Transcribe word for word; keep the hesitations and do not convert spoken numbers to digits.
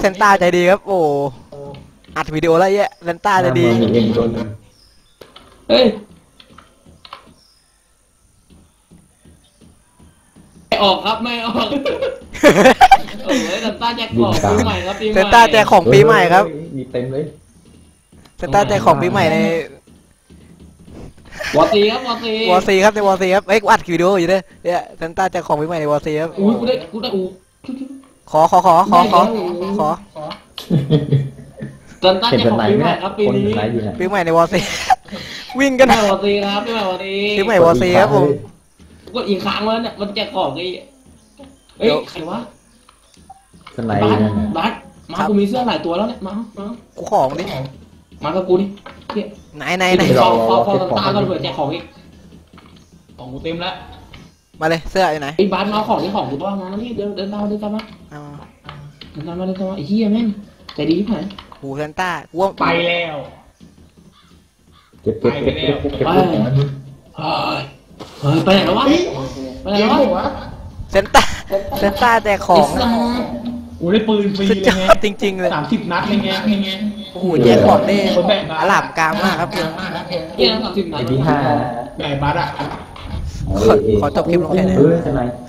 ซนต้าใจดีครับโอ้อัดวิดีโอแล้วเยอะเซนต้าใจดีเฮ้ยไม่ออกครับไม่ออกโอ้ยเซนต้าแจกของปีใหม่ครับปีใหม่เซนต้าแจกของปีใหม่ครับมีเต็มเลยเซนต้าแจกของปีใหม่ในวอซีครับวอซีวอซีครับในวอซีครับเอ้ยอัดวิดีโออยู่ด้วยเนี่ยเซนต้าแจกของปีใหม่ในวอซีครับอุ้ยกูได้กูได้อู้ขอขอขอขอขอขอเซนต้าแจกของปีใหม่ครับปีนี้ปีใหม่ในวอซีวิ่งกันวอซีครับปีใหม่วอซีปีใหม่วอซีครับผมก็อีกครั้งแล้วเนี่ยมันแจกของไอ้เอ้ยใครวะสไนด์บัสมากูมีเสื้อหลายตัวแล้วเนี่ยมามากูของดิมากับกูดิไหนไหนไหนพอพอพอตาก็เปิดแจกของอีกของกูเต็มแล้วมาเลยเสื้ออยู่ไหนไอ้บัสมาของที่ของกูต้องมานี่เดินเดินตามเดินตามมาเดินตามมาเดินตามมาไอ้เหี้ยแม่งใจดีที่ไหนหูเซนต้ากูไปแล้วเก็บเก็บเก็บเก็บเก็บเฮ้ยเฮ้ยไปไหนแล้ววะไปไหนแล้ววะเซนต้าเซนต้าแจกของกูได้ปืนฟรีเลยไงจริงๆเลยสามสิบนัดเลยไงไงโอ้โหแจกของได้อลามกลางมากครับเยี่ยมสามสิบนัดที่ห้าไก่บัสอ่ะขอจบคลิปลงแค่นี้